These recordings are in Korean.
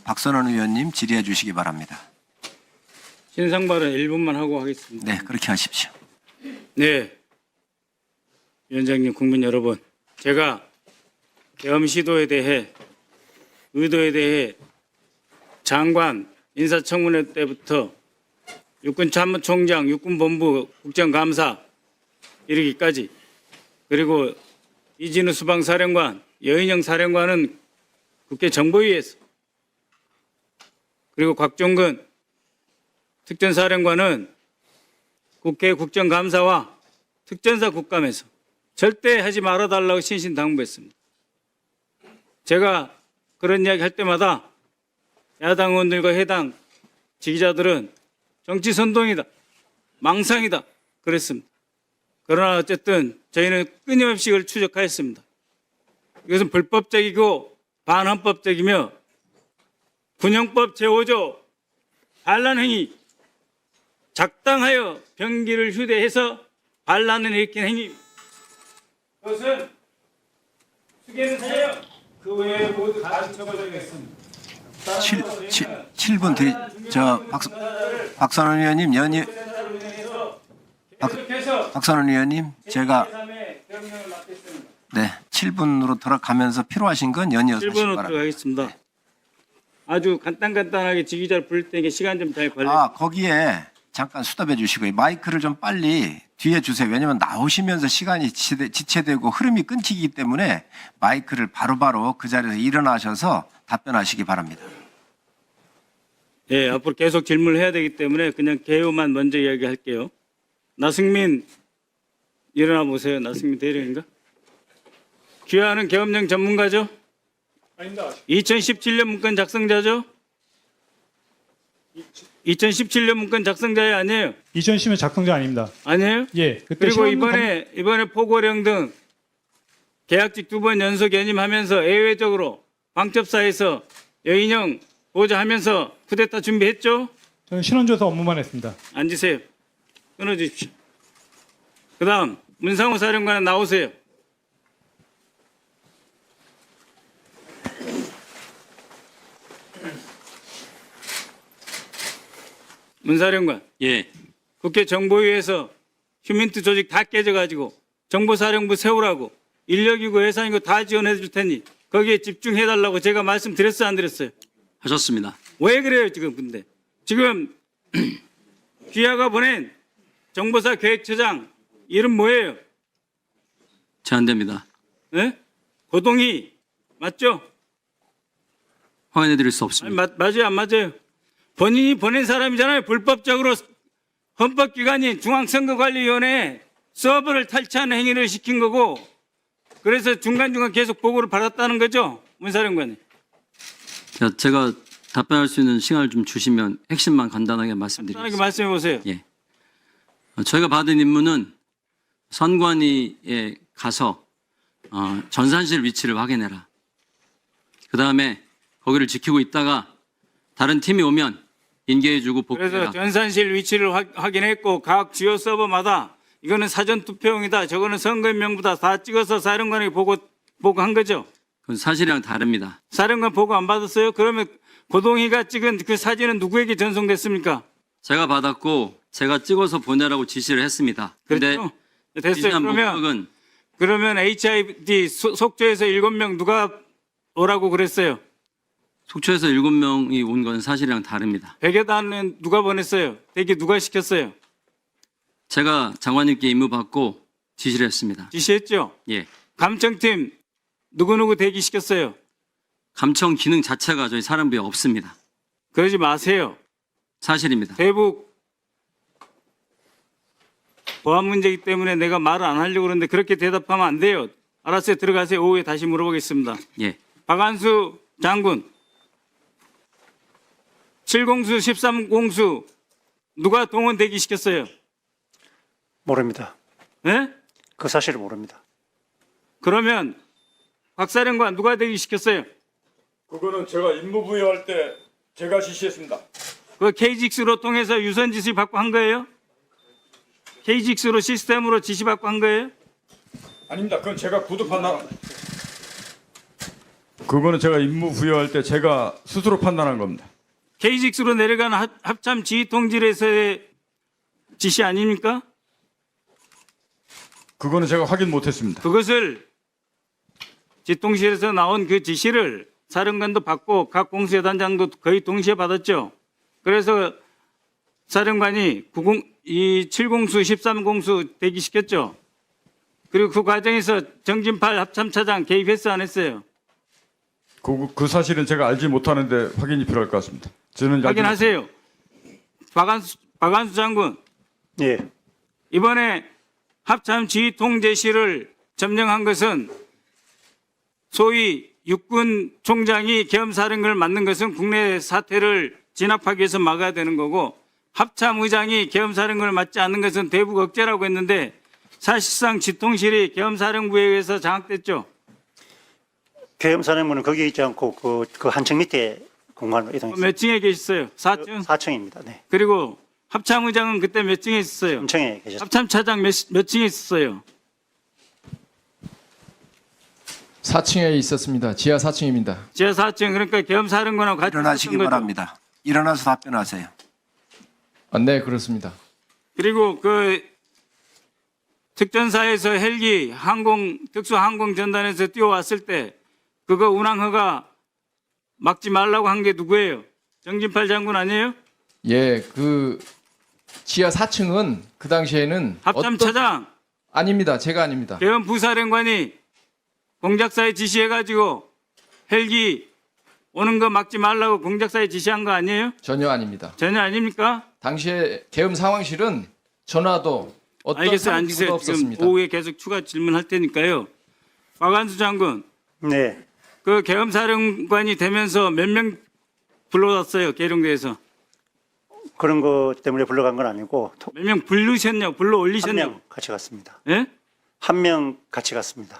박선원 의원님 질의해 주시기 바랍니다. 신상 발언 1분만 하고 하겠습니다. 네, 그렇게 하십시오. 네. 위원장님, 국민 여러분, 제가 계엄 시도에 대해 의도에 대해 장관 인사청문회 때부터 육군참모총장, 육군본부 국정감사 이르기까지 그리고 이진우 수방사령관, 여인영 사령관은 국회 정보위에서 그리고 곽종근 특전사령관은 국회 국정감사와 특전사 국감에서 절대 하지 말아달라고 신신당부했습니다. 제가 그런 이야기 할 때마다 야당 의원들과 해당 지지자들은 정치 선동이다, 망상이다 그랬습니다. 그러나 어쨌든 저희는 끊임없이 이걸 추적하였습니다. 이것은 불법적이고 반헌법적이며 군형법 제5조 반란 행위, 작당하여 병기를 휴대해서 반란을 일으킨 행위. 그것은 수개는 사여 그 외에 모두 다 처벌하겠습니다. 7분 드리, 박선원 의원님, 박선원 의원님, 제가 네, 7분으로 돌아가면서 필요하신 건 연이어서 하시기 1분으로 바랍니다. 들어가겠습니다. 아주 간단하게 지휘자를 부를 테니까 시간 좀 잘 관리. 거기에 잠깐 수답해 주시고요. 마이크를 좀 빨리 뒤에 주세요. 왜냐하면 나오시면서 시간이 지체되고 흐름이 끊기기 때문에 마이크를 바로바로 그 자리에서 일어나셔서 답변하시기 바랍니다. 예, 앞으로 계속 질문을 해야 되기 때문에 그냥 개요만 먼저 이야기할게요. 나승민 일어나 보세요. 나승민 대령인가? 귀하는 계엄령 전문가죠? 아닙니다. 2017년 문건 작성자죠? 2017년 문건 작성자예 아니에요? 2010년 작성자 아닙니다. 아니에요? 예. 그때 그리고 신원 이번에 포고령 등 계약직 2번 연속 연임하면서 예외적으로 방첩사에서 여인형 보좌하면서 쿠데타 준비했죠? 저는 신원조사 업무만 했습니다. 앉으세요. 끊어주십시오. 그 다음 문상호 사령관은 나오세요. 문사령관. 예, 국회 정보위에서 휴민트 조직 다 깨져가지고 정보사령부 세우라고 인력이고 예산이고 다 지원해 줄 테니 거기에 집중해달라고 제가 말씀드렸어요, 안 드렸어요? 하셨습니다. 왜 그래요, 지금 근데? 지금 귀하가 보낸 정보사 계획처장 이름 뭐예요? 제안됩니다. 예? 고동희 맞죠? 확인해 드릴 수 아니, 없습니다. 맞아요, 안 맞아요? 본인이 보낸 사람이잖아요. 불법적으로 헌법기관인 중앙선거관리위원회에 서버를 탈취하는 행위를 시킨 거고 그래서 중간중간 계속 보고를 받았다는 거죠? 문사령관님. 자, 제가 답변할 수 있는 시간을 좀 주시면 핵심만 간단하게 편하게 말씀드리겠습니다. 말씀해 보세요. 예. 저희가 받은 임무는 선관위에 가서 전산실 위치를 확인해라. 그 다음에 거기를 지키고 있다가 다른 팀이 오면 인계해주고 그래서 복귀해라. 전산실 위치를 확인했고 각 주요 서버마다 이거는 사전 투표용이다. 저거는 선거인명부다. 다 찍어서 사령관에게 보고한 거죠. 그건 사실이랑 다릅니다. 사령관 보고 안 받았어요? 그러면 고동희가 찍은 그 사진은 누구에게 전송됐습니까? 제가 받았고 제가 찍어서 보내라고 지시를 했습니다. 근데 그렇죠? 됐어요. 지시한 목적은 그러면 HID 속초에서 7명 누가 오라고 그랬어요? 속초에서 7명이 온 건 사실이랑 다릅니다. 백여단은 누가 보냈어요? 대기 누가 시켰어요? 제가 장관님께 임무 받고 지시를 했습니다. 지시했죠? 예. 감청팀 누구누구 대기 시켰어요? 감청 기능 자체가 저희 사령부에 없습니다. 그러지 마세요. 사실입니다. 대북 보안 문제이기 때문에 내가 말을 안 하려고 그러는데 그렇게 대답하면 안 돼요. 알았어요. 들어가세요. 오후에 다시 물어보겠습니다. 예. 박안수 장군 7공수 13공수 누가 동원 대기 시켰어요? 모릅니다. 예? 그 사실을 모릅니다. 그러면 박사령관 누가 대기 시켰어요? 그거는 제가 임무 부여할 때 제가 지시했습니다. 그 KGX로 통해서 유선 지시 받고 한 거예요? KGX로 시스템으로 지시 받고 한 거예요? 아닙니다. 그건 제가 구두 판단. 그거는 제가 임무 부여할 때 제가 스스로 판단한 겁니다. K6로 내려간 합참 지휘통질에서의 지시 아닙니까? 그거는 제가 확인 못했습니다. 그것을 지통실에서 나온 그 지시를 사령관도 받고 각 공수여단장도 거의 동시에 받았죠. 그래서 사령관이 7공수, 13공수 대기시켰죠. 그리고 그 과정에서 정진팔 합참차장 개입했어 안 했어요? 그 사실은 제가 알지 못하는데 확인이 필요할 것 같습니다. 저는 알지 확인하세요. 박한수 장군, 예, 이번에 합참 지휘통 제시를 점령한 것은 소위 육군 총장이 계엄사령관을 맡는 것은 국내 사태를 진압하기 위해서 막아야 되는 거고, 합참 의장이 계엄사령관을 맡지 않는 것은 대북 억제라고 했는데 사실상 지통실이 계엄사령부에 의해서 장악됐죠. 계엄사령부는 거기 있지 않고 그 한층 밑에 공간으로 이동했습니다. 몇 층에 계셨어요? 4층? 4층입니다. 네. 그리고 합참 의장은 그때 몇 층에 있었어요? 3층에 계셨습니다. 합참 차장 몇 층에 있었어요? 4층에 있었습니다. 지하 4층입니다. 지하 4층. 그러니까 계엄사령관하고 같이 일어나시기 있었던 거죠. 바랍니다. 일어나서 답변하세요. 네, 그렇습니다. 그리고 그 특전사에서 헬기 특수항공전단에서 뛰어왔을 때 그거 운항허가 막지 말라고 한 게 누구예요? 정진팔 장군 아니에요? 예, 그 지하 4층은 그 당시에는 합참 차장, 아닙니다. 제가 아닙니다. 계엄 부사령관이 공작사에 지시해가지고 헬기 오는 거 막지 말라고 공작사에 지시한 거 아니에요? 전혀 아닙니다. 전혀 아닙니까? 당시에 계엄 상황실은 전화도 어떤 알겠어요. 상황도 앉으세요. 지금 없었습니다. 오후에 계속 추가 질문할 테니까요. 박한수 장군, 네. 그 계엄사령관이 되면서 몇 명 불러왔어요, 계룡대에서? 그런 것 때문에 불러간 건 아니고 몇 명 부르셨냐고, 불러 한 올리셨냐고? 명 같이 갔습니다. 예? 한 명 같이 갔습니다.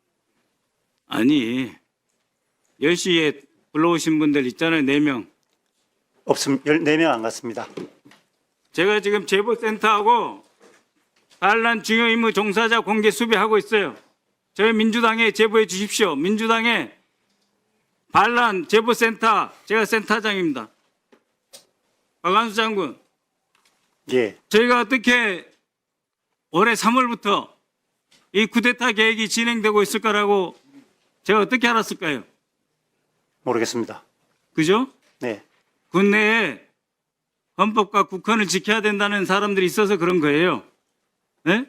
아니, 10시에 불러오신 분들 있잖아요, 4명. 없음 14명 안 갔습니다. 제가 지금 제보센터하고 반란 중요 임무 종사자 공개 수배하고 있어요. 저희 민주당에 제보해 주십시오. 민주당의 반란 제보센터, 제가 센터장입니다. 박한수 장군, 예. 저희가 어떻게 올해 3월부터 이 쿠데타 계획이 진행되고 있을 거라고 제가 어떻게 알았을까요? 모르겠습니다. 그죠? 네. 국내에 헌법과 국헌을 지켜야 된다는 사람들이 있어서 그런 거예요. 네?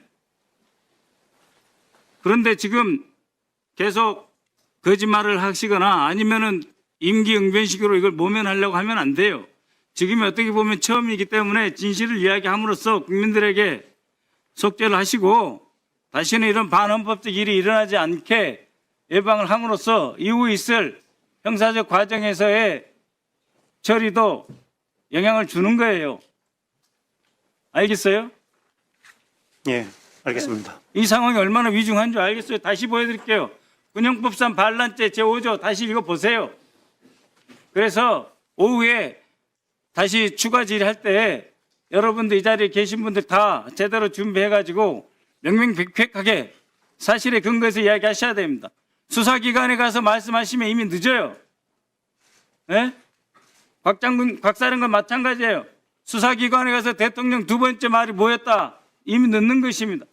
그런데 지금 계속 거짓말을 하시거나 아니면은 임기응변식으로 이걸 모면하려고 하면 안 돼요. 지금이 어떻게 보면 처음이기 때문에 진실을 이야기함으로써 국민들에게 속죄를 하시고 다시는 이런 반헌법적 일이 일어나지 않게 예방을 함으로써 이후 있을 형사적 과정에서의 처리도 영향을 주는 거예요. 알겠어요? 예. 알겠습니다. 이 상황이 얼마나 위중한 줄 알겠어요? 다시 보여드릴게요. 군형법상 반란죄 제5조 다시 읽어보세요. 그래서 오후에 다시 추가 질의할 때 여러분들 이 자리에 계신 분들 다 제대로 준비해가지고 명명백백하게 사실에 근거해서 이야기하셔야 됩니다. 수사기관에 가서 말씀하시면 이미 늦어요. 예? 박 사령관 마찬가지예요. 수사기관에 가서 대통령 두 번째 말이 뭐였다? 이미 늦는 것입니다.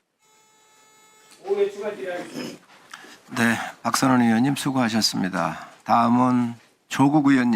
오후에 추가 질의하겠습니다. 네, 박선원 의원님 수고하셨습니다. 다음은 조국 의원님.